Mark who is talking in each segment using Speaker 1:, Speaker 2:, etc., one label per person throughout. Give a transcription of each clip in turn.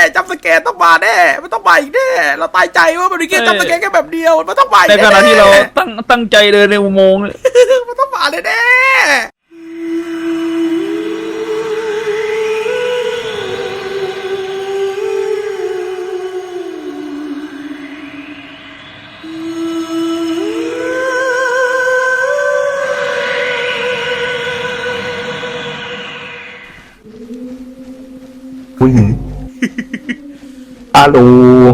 Speaker 1: จัมป์สแกร์ต้องมาแน่มันต้องมาอีกแน่เราตายใจว่ามันมีแค่จัมป์สแกร์แค่แบบเดียวมันต้องมา
Speaker 2: ในขณะที่เราตั้งใจเดินในอุโมงค์
Speaker 1: มันต้องมาแน่
Speaker 3: อาลู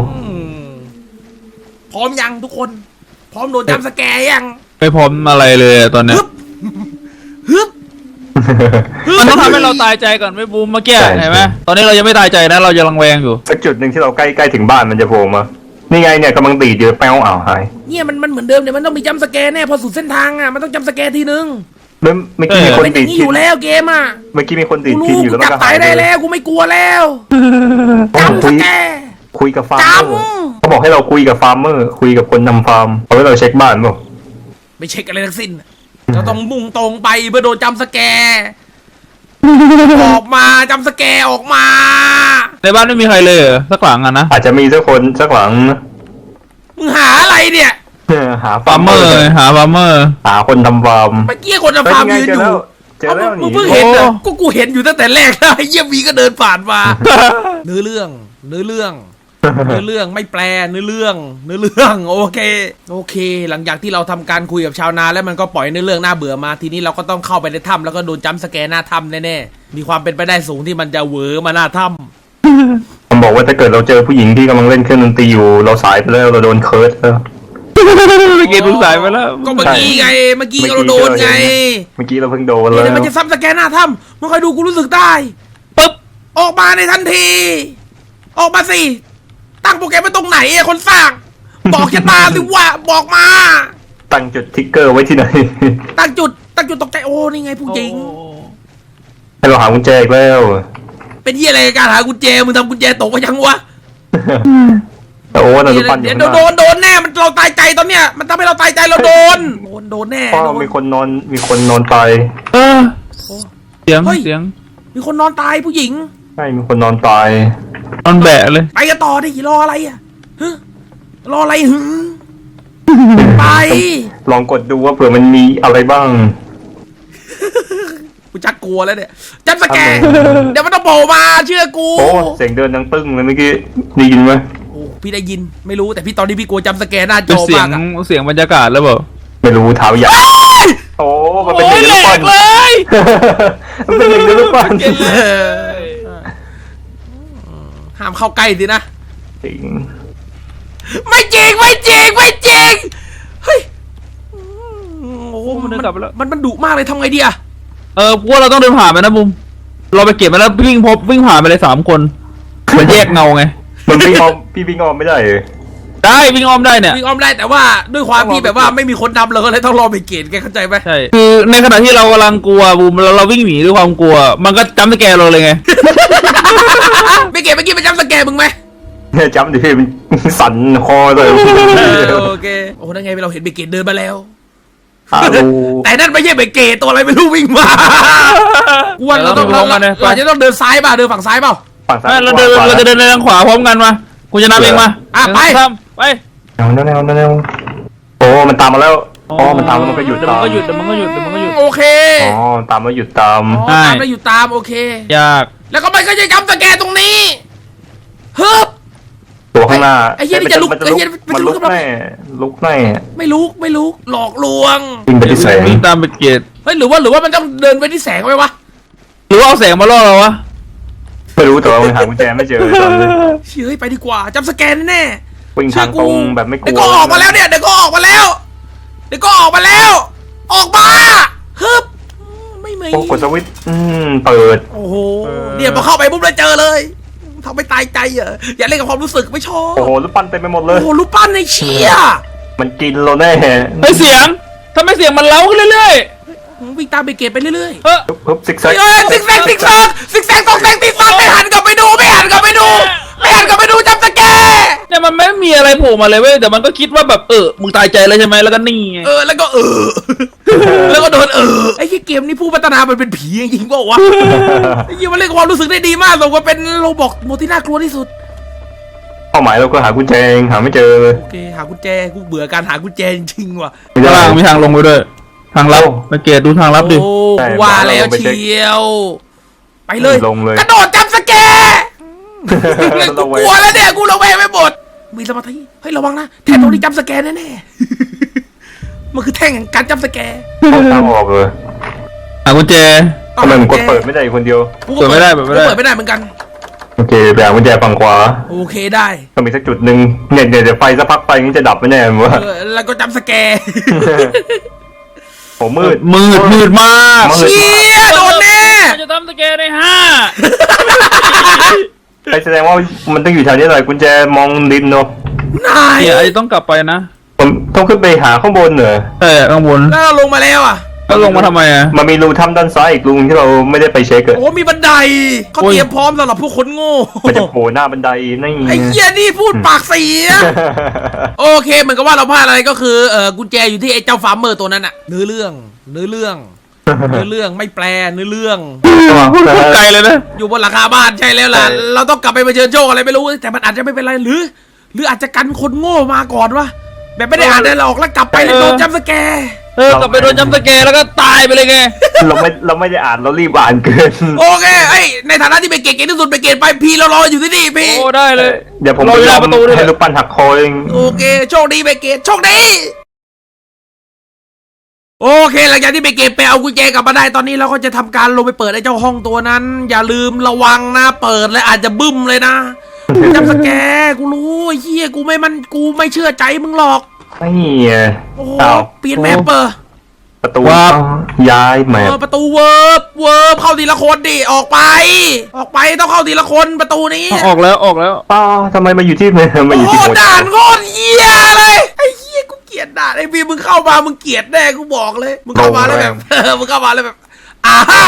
Speaker 1: พร้อมยังทุกคนพร้อมโดนจัมป์สแกร์ยัง
Speaker 2: ไม่พร้อมอะไรเลยตอนนี้
Speaker 1: ฮึบ
Speaker 2: มันต้องทำให้เราตายใจก่อนไม่บูมเมื่อกี้เห็นไหมตอนนี้เรายังไม่ตายใจนะเรายังรังแวงอยู่
Speaker 3: สักจุดหนึ่งที่เราใกล้ถึงบ้านมันจะโผล่มานี่ไงเนี่ยกำลังตีเจอแป้วหาย
Speaker 1: เนี่ยมันเหมือนเดิมเนี่ยมันต้องมีจัมป์สแกร์แน่พอสุดเส้นทางอ่ะมันต้องจัมป์สแกร์ทีนึง
Speaker 3: เมื่อกี้มีคนติด
Speaker 1: ทินอยู่แล้วเกมอ่ะ
Speaker 3: เมื่อกี้มีคนติดทินอยู่แล้ว
Speaker 1: ก็ตายได้แล้วกูไม่กลัวแล้วจัมป์สแกร์
Speaker 3: คุยกับฟาร์มเมอร์เขาบอกให้เราคุยกับฟาร์มเมอร์คุยกับคนทำฟาร์มเอาไว้เราเช็คบ้านป่ะ
Speaker 1: ไม่เช็คอะไรทั้งสิ้นเราต้องมุ่งตรงไปเพื่อโดนจัมป์สแกร์ออกมาจัมป์สแกร์ออกมา
Speaker 2: ในบ้านไม่มีใครเลยสักหลังอ่ะนะ
Speaker 3: อาจจะมีสักคนสักหลัง
Speaker 1: มึงหาอะไรเนี่ย
Speaker 3: หาฟาร์มเมอร์
Speaker 2: หาฟาร์มเมอร์
Speaker 3: หาคนทำฟาร์ม
Speaker 1: เมื่อกี้คนทำฟาร์มยืนอยู่
Speaker 3: เจอแล้วนี่
Speaker 1: เพิ่งเห็นอ่ะกูเห็นอยู่ตั้งแต่แรกแล้วไอ้เยี่ยวีก็เดินผ่านมาเนื้อเรื่องไม่แปลเนื้อเรื่องโอเคหลังจากที่เราทำการคุยกับชาวนาแล้วมันก็ปล่อยเนื้อเรื่องน่าเบื่อมาทีนี้เราก็ต้องเข้าไปในถ้ำแล้วก็โดนจัมป์สแกร์หน้าถ้ำแน่ๆมีความเป็นไปได้สูงที่มันจะเหวอมาหน้าถ้ำ
Speaker 3: มันบอกว่าถ้าเกิดเราเจอผู้หญิงที่กำลังเล่นเครื่องดนตรีอยู่เราสายไปแล้วเราโดนเคิร์สแล้ว
Speaker 2: ไม่เกตสายไปแล้ว
Speaker 1: ก็เมื่อกี้ไงเมื่อกี้เราโดนไง
Speaker 3: เมื่อกี้เราเพิ่งโดนแล้ว
Speaker 1: มันจะซ้ำสแกนหน้าถ้ำมันคอยดูกูรู้สึกได้
Speaker 2: ปึ๊บ
Speaker 1: ออกมาในทันทีออกมาสิตั้งโปรแกรมไว้ตรงไหนคนสร้างบอกชะตาสิว่าบอกมา
Speaker 3: ตั้งจุดทิกเกอร์ไว้ที่ไหน
Speaker 1: ตั้งจุดตกใจโอ้นี่ไงผู้หญิง
Speaker 3: ให้เราหากุญแจอีกแล้ว
Speaker 1: เป็นที่อะไรการหากุญแจมึงทำกุญแจตกก็ยังวะ
Speaker 3: โอ้เราปั่นอยู่
Speaker 1: โดนแน่มันเราตายใจตอนเนี้ยมันทำให้เราตายใจเราโดนแน่
Speaker 3: มีคนนอนตาย
Speaker 2: เสียง
Speaker 1: มีคนนอนตายผู้หญิง
Speaker 3: ใช่มีคนนอนตาย
Speaker 2: นอนแบะเลย
Speaker 1: ไปกันต่อดิรออะไรอ่ะรออะไรไป
Speaker 3: ลองกดดูว่าเผื่อมันมีอะไรบ้าง
Speaker 1: กูจักกลัวแล้วเนี่ยจัมป์สแกร์เดี๋ยวมันต้องโผล่มาเชื่อกู
Speaker 3: โอ้เสียงเดินดังตึ้งเลยเมื่อกี้ได้ยินไหม
Speaker 1: โอ้พี่ได้ยินไม่รู้แต่พี่ตอนนี้พี่กลัวจัมป์สแกร์หน้าจอมาก
Speaker 2: เสียงบรรยากาศแล้วเปล่า
Speaker 3: ไม่รู้เท้าใหญ่โอ้มันเป็นอย่างนี้เลยมันเป็นอย่างนี้หรือเปล่า
Speaker 1: ห้ามเข้าใกล้สินะ
Speaker 3: จริง
Speaker 1: ไม่จริงเฮ้ยโอ้
Speaker 2: มันเดินกลับไปแล้ว
Speaker 1: มันดุมากเลยทำไงดีอะ
Speaker 2: พวกเราต้องเดินผ่านไปนะบุ้มเราไปเก็บมาแล้ววิ่งผ่านไปเลย3 คนเหมือนแยกเงาไง
Speaker 3: มันวิ่งอ้อมพี่วิ่งอ้อมไม่ได้
Speaker 2: ได้วิ่งอ้อมได้เนี่ย
Speaker 1: วิ่งอ้อมได้แต่ว่าด้วยความที่แบบว่าไม่มีคนนำเราก็เลยต้องรอไปเกณฑ์แกเข้าใจไหม
Speaker 2: ใช่คือในขณะที่เรากำลังกลัวบูมเราวิ่งหนีด้วยความกลัวมันก็จัมป์สแกร์เราเลยไง
Speaker 1: ไปเกณฑ์เมื่อกี้ไปจัมป์สแกร์มึงไหม
Speaker 3: เนี่ยจัมป์ดิพี่มันสั่นคอเลย
Speaker 1: โอเคโอ้นั่นไงเราเห็นไปเกณฑ์เดินมาแล้วแต่นั่นไม่ใช่ไปเกย์ตัวอะไรไม่รู้วิ่งมาวันเราจะต้องเดินซ้ายป่ะเดินฝั่งซ้ายเปล่า
Speaker 2: เราจะเดินทางขวาพร้อมกันมากูจะนับเองมา
Speaker 1: ไป
Speaker 3: แนวโอ้มันตามมาแล้วมันตามมันก็หยุด
Speaker 2: มันก็หยุด
Speaker 1: โอเค
Speaker 3: ตามแล้วหยุดตาม
Speaker 1: แล้วหยุดตามโอเค
Speaker 2: ยาก
Speaker 1: แล้วก็มันก็จะจัมป์สแกร์ตรงนี้ฮึบ
Speaker 3: ตัวข้างหน้า
Speaker 1: ไอ้เหี้ยนี่จะลุก
Speaker 3: มันลุกแน่
Speaker 1: ไม่ลุกหลอกลวง
Speaker 3: วิ่งไปที่แสง
Speaker 2: วิ่งตามไปเกต
Speaker 1: เฮ้ยหรือว่ามันต้องเดินไปที่แสงไหมวะ
Speaker 2: หรือว่าเอาแสงมาล่อเราวะ
Speaker 3: ไม่รู้แต่ว่าหากุญแจไม่เจอตอนนี้
Speaker 1: เฮ้ยไปดีกว่าจัมป์สแกร์แน่
Speaker 3: วิ่งทางตรงแบบไม่กลัว
Speaker 1: เดี๋ยวก็ออกมาแล้วออกมาฮึบไม่มี
Speaker 3: กดสวิตช์เปิด
Speaker 1: โอ้โหเนี่ยพอเข้าไปปุ๊บเลยเจอเลยทำไม่ตายใจเหรออย่าเล่นกับความรู้สึกไม่ชอบ
Speaker 3: โอ้โหลูกปั้นเต็มไปหมดเลย
Speaker 1: โอ้โหลูกปั้นในเชี่ย
Speaker 3: มันกินเราแน่
Speaker 2: ไม่เสียงทำไมเสียงมันเล้าขึ้นเรื่อย
Speaker 1: ๆวิ่งตามไปเก็บไปเรื่อย
Speaker 3: ๆซิกแซก
Speaker 1: ตกแซงตีซ้ำไม่หันกลับไปดูจัมป์สแกร์
Speaker 2: เนี่ยมันไม่มีมีอะไรโผล่มาเลยเว้ยแต่มันก็คิดว่าแบบมึงตายใจเลยใช่ไหมแล้วก็นี่ไง
Speaker 1: แล้วก็แล้วก็โดนไอ้ที่เกมนี้ผู้พัฒนามันเป็นผีจริงๆเปล่าวะไอ้ยี่มันเล่นความรู้สึกได้ดีมากสมกับเป็นโรบอกโมที่น่ากลัวที่สุด
Speaker 3: เป้าหมายเราก็หากุญแจเองหาไม่เจอเลย
Speaker 1: โอเคหากุญแจกูเบื่อการหากุญแจจริงๆว่ะ
Speaker 3: ไม่ได้
Speaker 2: ข้างล่างมีทางลงไปด้วยทางลับไปเกตดูทางลับดิ
Speaker 1: โอ้
Speaker 3: ใช่
Speaker 1: ว่าแล้ว
Speaker 3: ลงไปเช็ค
Speaker 1: เชียว ไปเลย
Speaker 3: ลงเลย
Speaker 1: กระโดดจับสแกร์กูกลัวแล้วเนี่ยกูระแวงไปหมดมีสมาธิเฮ้ยระวังนะแท่นตรงนี้จับสแกร์แน่ๆมันคือแท่งแห่งการจับสแกร์
Speaker 3: เอาทางออกเลย
Speaker 2: หากุญแจ
Speaker 3: ทำไมมันกดเปิดไม่ได้คนเดียว
Speaker 1: กูก็
Speaker 2: เปิดไม่ได้
Speaker 1: กูเปิดไม่ได้เหมือนกัน
Speaker 3: โอเคไปหากุญแจฝั่งขวา
Speaker 1: โอเคได้
Speaker 3: ต้องมีสักจุดหนึ่งเนี่ยเดี๋ยวไฟสักพักไฟนี้จะดับไม่แน่มั้งวะ
Speaker 1: แล้วก็จับสแกร์
Speaker 3: โอ้มืด
Speaker 2: มืดมาก
Speaker 3: มืด
Speaker 1: เชี่ยโดนแน่
Speaker 2: จะทำสแกนในห้า
Speaker 3: ไปแสดงว่ามันต้องอยู่แถวนี้หน่อยกุญแจมองดินเนาะ
Speaker 1: นาย
Speaker 2: เนี่ยไอ้ต้องกลับไปนะ
Speaker 3: ผมต้องขึ้นไปหาข้างบนเหรอ
Speaker 2: ใช่ข้างบน
Speaker 1: แล้วเราลงมาแล้วอ่ะ
Speaker 2: แล้วลงมาทำไมอ่ะ
Speaker 3: มันมีรูถ้ำด้านซ้ายอีกรูที่เราไม่ได้ไปเช็คอะ
Speaker 1: โอ้มีบันไดเขา
Speaker 2: โอ้ย
Speaker 1: เตรียมพร้อมสำหรับพวกคนโง่
Speaker 3: มันจะโผล่หน้าบันไดนี่
Speaker 1: ไอ้เหี้ยนี่พูดปากเสีย โอเคเหมือนกับว่าเราพลาดอะไรก็คือกุญแจอยู่ที่ไอ้เจ้าฟาร์มเมอร์ตัวนั้นอะเนื้อเรื่องไม่แปลเนื้อเรื่อง
Speaker 2: ไกลเลยนะ
Speaker 1: อยู่บนหลังคาบ้านใช่แล้วล่ะเราต้องกลับไปเผชิญโชคอะไรไม่รู้แต่มันอาจจะไม่เป็นไรหรืออาจจะกันคนโง่มาก่อนวะแบบไม่ได้อ่านได้หรอกแล้วกลับไปแล้วโดนจับสแกร์
Speaker 2: กลับไปโดนจำสแกนแล้วก็ตายไปเลยไง
Speaker 3: เราไม่ได้อ่านเรารีบอ่านเกิน
Speaker 1: โอเคไอ้ในฐานะที่เป็นเก่งที่สุดเป็นเก่งไปพีเรารออยู่ที่นี่พี่
Speaker 2: โอ้ได้เลย
Speaker 3: เดี๋ยวผม
Speaker 2: รอ
Speaker 3: ไป
Speaker 2: อยู่หน้าประตูด้วย
Speaker 3: ให้ลูกปั้นหักคอเอง
Speaker 1: โอเคโชคดีไปเกตโชคดีโอเคหลังจากที่ไปเก็บไปเอากุญแจกลับมาได้ตอนนี้เราก็จะทำการลงไปเปิดไอ้เจ้าห้องตัวนั้น อย่าลืมระวังนะเปิดแล้วอาจจะบึ้มเลยนะจำสแกร์กูรู้ไอ้เหี้ยกูไม่เชื่อใจมึงหรอก
Speaker 3: ไม่อะ
Speaker 1: โอ้โห
Speaker 3: อ้าว
Speaker 1: เปลี่ยนแมปเปอร์
Speaker 3: ประตู
Speaker 2: ว้าว
Speaker 3: ย้ายแมป
Speaker 1: ประตูเวิร์บเข้าทีละคนดิออกไปต้องเข้าทีละคนประตูนี้
Speaker 2: ออกแล้ว
Speaker 3: ป้าทำไมมาอยู่ที่มาอยู่
Speaker 1: โค
Speaker 3: ที่
Speaker 1: ต
Speaker 3: โม
Speaker 1: รด่านโคตรเหี้ยเลยไอ้เหี้ยกูเกลียดด่านไอ้พี่มึงเข้ามามึงเกลียดแน่กูบอกเลยมึงเข้ามาแล้วแบบมึงเข้ามาแล้วแบบอ่าฮ่า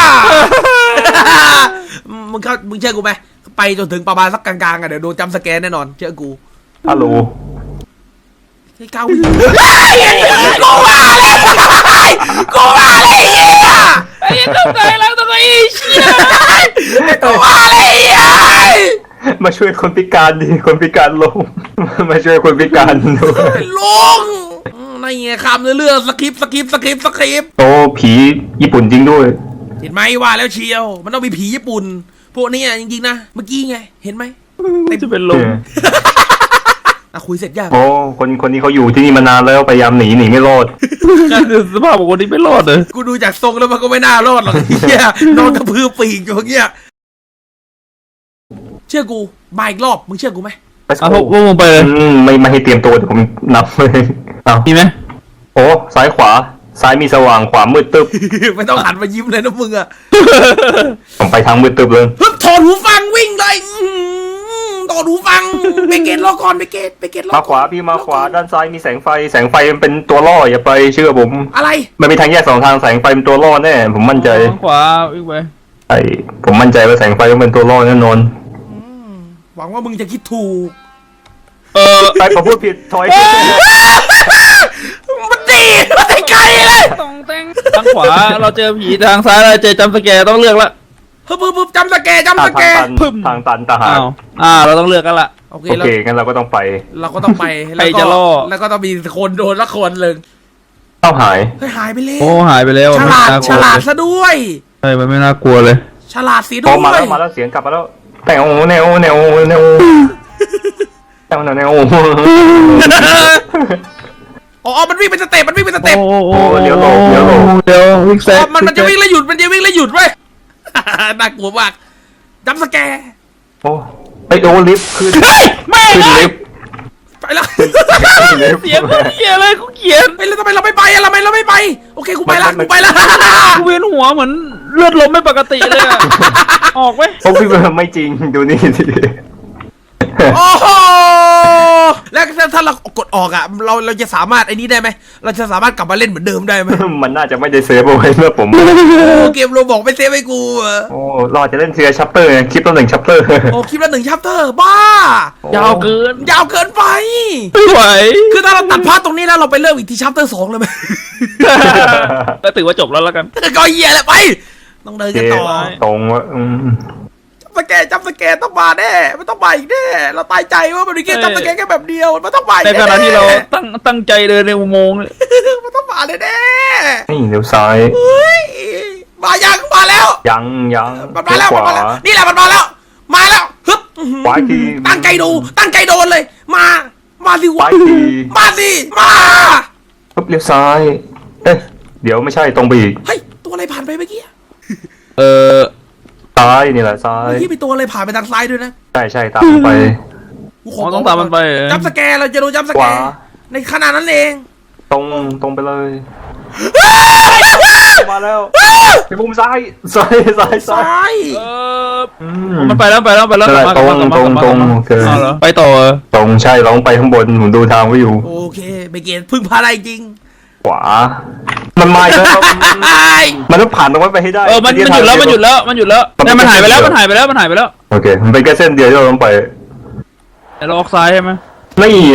Speaker 1: มึงเชื่อกูไหมไปจนถึงประมาณสักกลางๆอ่ะเดี๋ยวโดนจำสแกนแน่นอนเชื่อกู
Speaker 3: ฮัลโหล
Speaker 1: ไอ้เก้ากูมาเลยกูมาเลยเหี้ย
Speaker 2: ไอ้ต้องใจแล้วต้องไอ้เชี่ย
Speaker 1: กูมาเลยเหี้ย
Speaker 3: มาช่วยคนพิการดิคนพิการลง มาช่วยคนพิการดู
Speaker 1: ลุงในไงคำเรื่องสคริปต์
Speaker 3: โอ้ผีญี่ปุ่นจริงด้วย
Speaker 1: เห็นไหมว่าแล้วเชียวมันต้องมีผีญี่ปุ่นพวกนี้จริงๆนะเมื่อกี้ไงเห็นไหม
Speaker 2: จะเป็นลม
Speaker 1: อ่ะคุยเสร็จยัง
Speaker 3: โอ้คนนี้เขาอยู่ที่นี่มานานแล้วพยายามหนีไม่รอด
Speaker 2: สภาพของคนนี้ไม่รอดเลย
Speaker 1: กูดูจากทรงแล้วมันก็ไม่น่ารอดหรอกเฮียนอนกระพือปีกอยู่อย่างเงี้ยเชื่อกูมาอีกรอบมึงเชื่อกูไหม
Speaker 2: เอาพวกมึงไปเลย
Speaker 3: ไม่ให้เตรียมตัวเดี๋ยวผมนับเลยเอา
Speaker 2: มีไหม
Speaker 3: โอ้ซ้ายขวาซ้ายมีสว่างขวามืดตึ๊บ
Speaker 1: ไม่ต้องหันมายิ้มเลยนะมึงอะ
Speaker 3: ผมไปทางมืดตึ๊บเลย
Speaker 1: ฮึบถอดหูฟังวิ่งเลยถอดหูฟังไปเกตรอก่อนไปเกตรอ
Speaker 3: มาขวาพี่มาขวาด้านซ้ายมีแสงไฟมันเป็นตัวล่ออย่าไปเชื่อผม
Speaker 1: อะไร
Speaker 3: มันมีทางแยกสองทางแสงไฟเป็นตัวล่อแน่ผมมั่นใจ
Speaker 2: ขวาวิ่งไป
Speaker 3: ไอ้ผมมั่นใจว่าแสงไฟต้องเป็นตัวล่อแน่นอน
Speaker 1: หวังว่ามึงจะคิดถูก
Speaker 3: ไปผมพูดผิดถอย
Speaker 1: มันดีมันไปไกลเลย
Speaker 2: ตรงเต้งทางขวาเราเจอผีทางซ้ายเราเจอจำสแกร์ต้องเลือกละ
Speaker 1: ฮึบจำสแกร์
Speaker 3: ทางตันทหาร
Speaker 2: เราต้องเลือกกันละ
Speaker 1: โอเค
Speaker 3: โอเคงั้นเราก็ต้องไป
Speaker 1: เราก็ต้องไป
Speaker 2: ใครจะล่อ
Speaker 1: แล้วก็ต้องมีคนโดนละคนหนึ่ง
Speaker 3: เข้าหาย
Speaker 1: เฮ้ยหายไปแล้ว
Speaker 2: โอ้หายไปแล้ว
Speaker 1: ฉลาดซะด้วย
Speaker 2: ใช่มันไม่น่ากลัวเลย
Speaker 1: ฉลาดสีด้
Speaker 3: โอ้
Speaker 1: วย
Speaker 3: มาแล้วเสียงกลับมาแล้วแนวแนวแนวแนวแนว
Speaker 1: อ๋อมันวิ่งเป็นสเต็ป
Speaker 3: เลี้ยวหลบ
Speaker 2: เดี๋ยววิ่งแซง
Speaker 1: มันจะวิ่งแล้วหยุดเว้ย น่ากลัวมากจำสแกร์
Speaker 3: โอ้ไปโดนลิฟต์ขึ้น
Speaker 2: ไม่
Speaker 3: ขึ้น
Speaker 2: เลย
Speaker 3: ลิฟต์
Speaker 1: ไปแล้ว
Speaker 2: เสียงคนเหี้ยเลยกูเขียน
Speaker 1: ไปแล้วทำไมเราไม่ไปอะทำไมเราไม่ไปโอเคกูไปละ
Speaker 2: กูเวียนหัวเหมือนเลือดลมไม่ปกติเลยอะออกไหม
Speaker 3: โอ้พี่ไม่จริงดูนี่สิ
Speaker 1: โอ้โหแล้วถ้าเรากดออกอ่ะเราจะสามารถไอ้นี้ได้ไหมเราจะสามารถกลับมาเล่นเหมือนเดิมได้ไหม
Speaker 3: มันน่าจะไม่ได้เซฟเอาไว้เมื่อผม
Speaker 1: โอ้เกมโรบอกไม่เซฟให้กูอะ
Speaker 3: โอ้เราอาจจะเล่นเทียร์ชัปเตอร์คลิปละ1ชัปเตอร์
Speaker 1: โอ้คลิปละ1ชัปเตอร์บ้าย
Speaker 2: าวเกิน
Speaker 1: ยาวเกินไป
Speaker 2: ไม่ไหว
Speaker 1: คือถ้าเราตัดพาร์ทตรงนี้แล้วเราไปเริ่มอีกที่ชัปเตอร์2เลยไหม
Speaker 2: ก็ถือว่าจบแล้วกัน
Speaker 1: ก็เหี้ยแหละไปต้องเดินกันต่อ
Speaker 3: ตรงว่า
Speaker 1: จับสแกนต้องมาแน่มันต้องมาอีกแน่เราตายใจว่ามันมีแค่จับสแกนแค่แบบเดียวมันต้องมาอีก
Speaker 2: ใน
Speaker 1: แน่
Speaker 2: ขณะที่เราตั้งใจเดินในอุโมงค์เนี่ย
Speaker 1: มันต้องมาเลยแน่
Speaker 3: นี่เลี้ยวซ้าย
Speaker 1: เฮ้ยมายังมาแล้ว
Speaker 3: ยัง
Speaker 1: มันมาแล้ว
Speaker 3: ข
Speaker 1: มัน
Speaker 3: วา
Speaker 1: มาแล้วนี่แหละมันมาแล้วฮึบ
Speaker 3: ขวาที
Speaker 1: ตั้งใจดูตั้งใจโดนเลยมาสิ
Speaker 3: ขวาว
Speaker 1: ะ
Speaker 3: ที
Speaker 1: มาสิมา
Speaker 3: ปุ๊บเลี้ยวซ้ายเอ๊ะเดี๋ยวไม่ใช่ตรงไปอีก
Speaker 1: เฮ้ยตัวอะไรผ่านไปเมื่อกี้
Speaker 3: ซ้ายนี่แหละซ้าย
Speaker 1: เมื่อกี้มีตัวอะไรผ่านไปทางซ้ายด้วยนะ
Speaker 3: ใช่ตามไป
Speaker 1: กู
Speaker 2: อ๋อต้องตามมันไปเหรอ
Speaker 1: จับสแกนเราจะโดนจับสแกน
Speaker 3: ขวา
Speaker 1: ในขนาดนั้นเอง
Speaker 3: ตรงไปเลยมาแล้วไปมุมซ้าย
Speaker 1: ซ้าย
Speaker 2: มันไปแล้วกลับมา
Speaker 3: โอเค
Speaker 2: เอาเหรอไปต่อ
Speaker 3: ตรงใช่เราต้องไปข้างบนผมดูทางไว้อยู่
Speaker 1: โอเคเบเกนพึ่งพาได้จริง
Speaker 3: ขวา มันมาอีกแล้วมันต้องผ่านตรงนั้นไปให้ได้
Speaker 2: มันหยุดแล้วเนี่ยมันหายไปแล้ว
Speaker 3: โอเคมันเป็นแค่เส้นเดียวที่เราต้องไป
Speaker 2: แต่เราออกซ้ายใช่ไหม
Speaker 3: ไม่ไง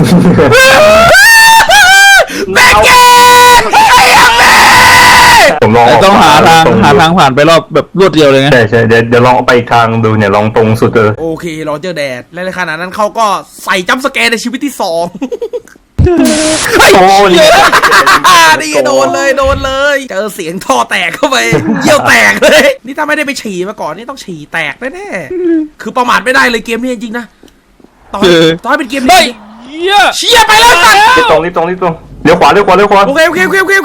Speaker 1: เบเกนไอ้ยังแม่
Speaker 3: ผมลอง
Speaker 2: ต้องหาทางผ่านไปรอบแบบรวดเดียวเลยไง
Speaker 3: ใช่เดี๋ยวลองไปอีกทางดูเนี่ยลองตรงสุดเลย
Speaker 1: โอเครอเจอแดดและในขณะนั้นเขาก็ใส่จัมป์สแกนในชีวิตที่2
Speaker 3: โอ้นี่
Speaker 1: นี่โดนเลยเจอเสียงท่อแตกเข้าไปเยี่ยวแตกเลย นี่ถ้าไม่ได้ไปฉี่มาก่อนนี่ต้องฉี่แตกแน่ๆคือประมาทไม่ได้เลยเกมนี้จริงๆนะตอนเป็นเกมนี้เชี่ยไปแล้วสัตว์
Speaker 3: รีบตรงเลี้ยวขวา
Speaker 1: โอเคเ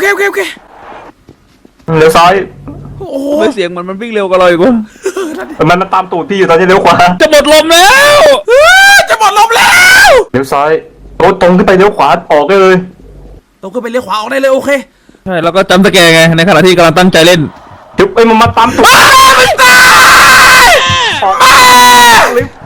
Speaker 3: ลี้ยวซ้าย
Speaker 1: โอ้โห
Speaker 2: ไม่เสียงมันวิ่งเร็วกว่าเราอีกว่า
Speaker 3: มันตามตูดพี่อยู่ตอนนี้เลี้ยวขวา
Speaker 2: จะหมดลมแล้ว
Speaker 1: จะหมดลมแล้ว
Speaker 3: เลี้ยวซ้ายโอ้ตรงขึ้นไปเลี้ยวขวาออกได้เลย
Speaker 1: ต้องขึ้นไปเลี้ยวขวาออกได้เลยโอเค
Speaker 2: ใช่แล้วก็จำสแกนไงในขณะที่กำลังตั้งใจเล่น
Speaker 3: จุ๊บมันมาตามตูด
Speaker 1: มันตาย
Speaker 3: ออกลิฟต์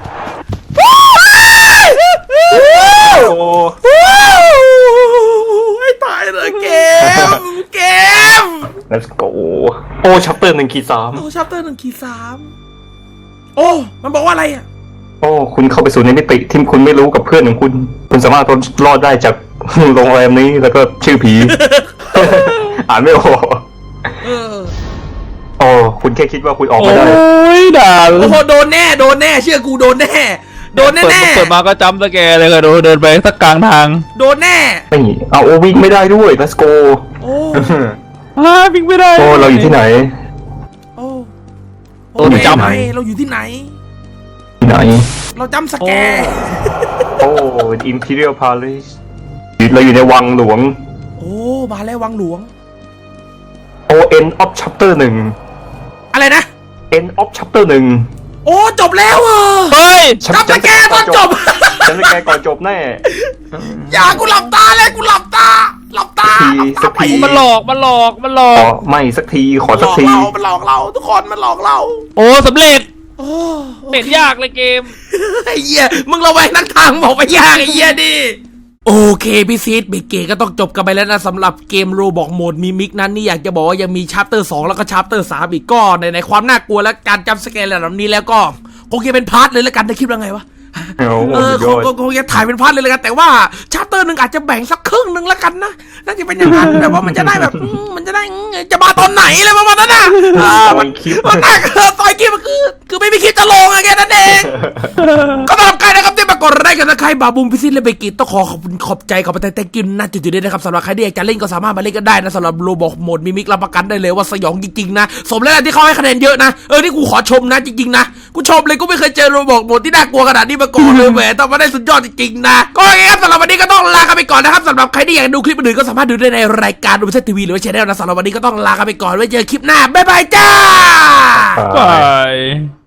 Speaker 3: โอ้
Speaker 1: ให้ตายเลยเกม
Speaker 3: let's go โอ้ชัปเตอร์1-3
Speaker 1: โอ้ชัปเตอร์1-3โอ้มันบอกว่าอะไรอ่ะ
Speaker 3: โอ้คุณเข้าไปสู่ในมิติที่คุณไม่รู้กับเพื่อนของคุณสามารถรอดได้จาก โรงแรมนี้แล้วก็ชื่อผี อ่านไม่ออก โอ้คุณแค่คิดว่าคุณออกไม่ได้
Speaker 2: โอ้ยด่า
Speaker 1: โอ้โหโดนแน่เชื่อกูโดนแน่แน่
Speaker 2: เปิดมาก็จำสแกนเลยก็เดินไปสักกลางทาง
Speaker 1: โดนแน่
Speaker 3: ไม่เอาวิ่งไม่ได้ด้วย let's go
Speaker 1: โอ้
Speaker 2: วิ่งไม่ได้
Speaker 3: โอ้เราอยู่ที่ไหน
Speaker 1: โอ้
Speaker 2: โอ้จำ
Speaker 1: ไหนเราอยู่ที่ไหน
Speaker 3: ที่ไหน
Speaker 1: เราจำสแกน
Speaker 3: โอ้ Imperial Palace เราอยู่ในวังหลวง
Speaker 1: โอ้มาแล้ววังหลวง
Speaker 3: โอ้ End of Chapter 1
Speaker 1: อะไรนะ
Speaker 3: End of Chapter 1
Speaker 1: โอ้จบแล้ว
Speaker 2: เฮ้ย
Speaker 1: จำสแกนตอนจบ
Speaker 3: ฉันไม่แกก่อนจบแน่
Speaker 1: อย่ากูหลับตาเลยกูหลับตา
Speaker 3: สักที
Speaker 2: มันหลอก
Speaker 3: ขอไม่สักทีขอสักที
Speaker 1: มันหลอกเราทุกคนมันหลอกเรา
Speaker 2: โอ้สำเร็จ
Speaker 1: โอ้
Speaker 2: เป็นยากเลยเกม
Speaker 1: ไอ้เหี้ยมึงระแวงนักทางบอกไปยากไอ้เหี้ยดิโอเคพี่ซีดเบเกก็ต้องจบกันไปแล้วนะสำหรับเกมโรบอกโหมดมิมิกนั้นนี่อยากจะบอกว่ายังมีชัปเตอร์2แล้วก็ชัปเตอร์3อีกก็ในความน่ากลัวและการจำสแกนระดับนี้แล้วก็คงจะเป็นพาร์ทเลยแล้วกันในคลิปแล้วไงวะคงจะถ่ายเป็นพาร์ทเลยแล้วกันแต่ว่าชัปเตอร์หนึ่งอาจจะแบ่งสักครึ่งหนึ่งแล้วกันนะน่าจะเป็นอย่างนั้นแบบว่ามันจะได้แบบมันจะได้จะมาตอนไหนอะไรประมาณนั้นน่ะมันน่าซอยคลิปมันคือไม่มีคลิปจะลงอะแค่นั้นเองก็สำหรับใครนะครับที่มากดไลค์กันนะใครบาบูมพิซิตและเบกิต้องขอบใจขอบใจกินนะจุดๆด้วยนะครับสำหรับใครที่อยากจะเล่นก็สามารถมาเล่นกันได้นะสำหรับโรบอกโหมดมิมิกรับประกันได้เลยว่าสยองจริงๆนะสมแล้วที่เขาให้คะแนนเยอะนะนี่กูขอชมนะจริงๆนะกูชมเลยกูไม่เคยเจอโรบอกโหมดที่น่ากลัวขนาดนี้มาก่อนเลยแหมต้องมาได้สุดยอดจริงๆนะก็อย่างนี้ครับสำหรับวันนี้ก็ต้องลากันไปก่อนนะครับสำหรับใครที่อยากดูคลิปอื่นก็สามารถดูได้ในรายการดูเซตทีวีหรือว่าช่องนะสำหรับวันนี้ก็ต้องลากันไปก่อนไว้เจอคลิปหน้าบ๊ายบายจ้า
Speaker 2: บาย